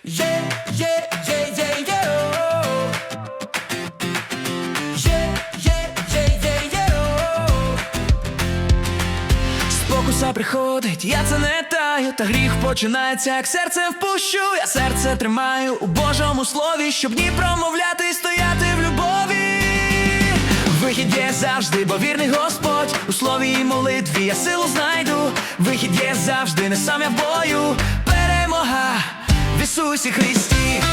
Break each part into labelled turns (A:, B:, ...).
A: Yeah, yeah, yeah, yeah, yeah, oh. Yeah, yeah, yeah, yeah, yeah, oh. Спокуса приходить, я це не таю, та гріх починається, як серце впущу. Я серце тримаю у Божому слові, щоб ні промовляти і стояти в любові. Вихід є завжди, бо вірний Господь. У слові і молитві я силу знайду. Вихід є завжди, не сам я в бою. Перемога в Ісусі Христі.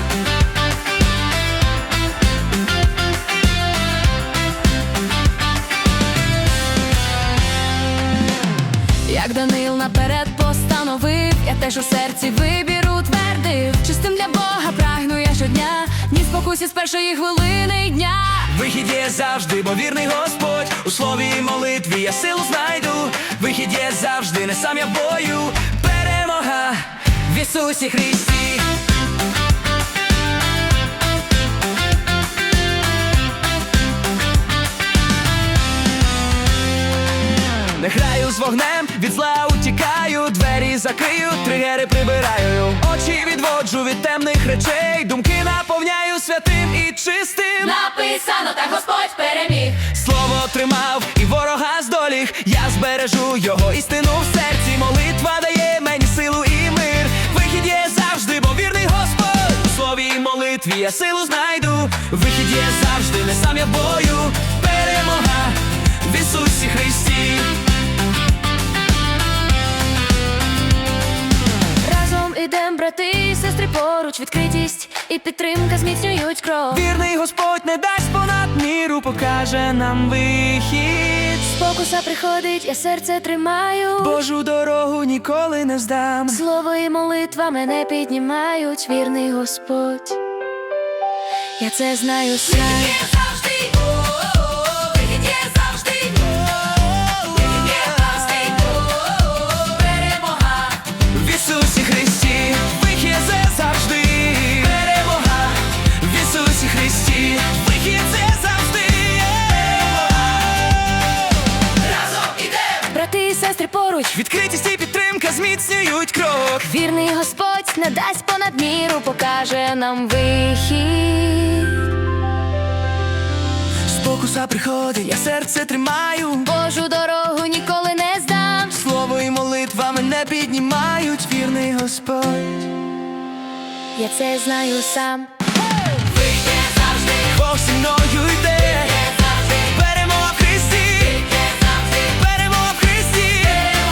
B: Як Даниїл наперед постановив, я теж у серці вибір утвердив. Чистим для Бога прагну я щодня, ні спокусі з першої хвилини дня.
A: Вихід є завжди, бо вірний Господь. У слові і молитві я силу знайду. Вихід є завжди, не сам я в бою. Перемога в Ісусі Христі. Не граю з вогнем, від зла утікаю, двері закрию, тригери прибираю. Очі відводжу від темних речей, думки наповняю святим і чистим.
B: Написано, так Господь переміг.
A: Слово тримав і ворога здоліг, я збережу його істину в серці. Молитва дає мені силу і мир. Вихід є завжди, бо вірний Господь. У слові і молитві я силу знайду. Вихід є завжди, не сам я в бою. Перемога в Ісусі Христі.
B: Разом ідем, брати і сестри, поруч. Відкритість і підтримка зміцнюють кров.
A: Вірний Господь не дасть понад міру, покаже нам вихід.
B: Спокуса приходить, я серце тримаю.
A: Божу дорогу ніколи не здам.
B: Слово і молитва мене піднімають, вірний Господь. Я це знаю сам.
A: В Ісусі Христі, вихід це завжди. Перемога в Ісусі Христі, вихід це завжди. Разом ідем.
B: Брати і сестри поруч.
A: Відкритість і підтримка зміцнюють крок.
B: Вірний Господь не дасть понад міру, покаже нам вихід.
A: Спокуса приходить, я серце тримаю.
B: Божу дорогу ніколи не здам.
A: Слово і молитва мене піднімають, вірний Господь.
B: Я це знаю сам.
A: Бог зі мною йде. Перемога в Христі. Перемога в Христі.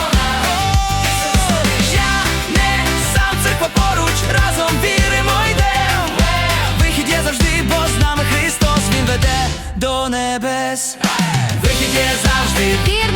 A: О, я не сам, церква поруч, разом віримо йдем. Вихід є завжди, бо з нами Христос, Він веде до небес. Вихід є завжди.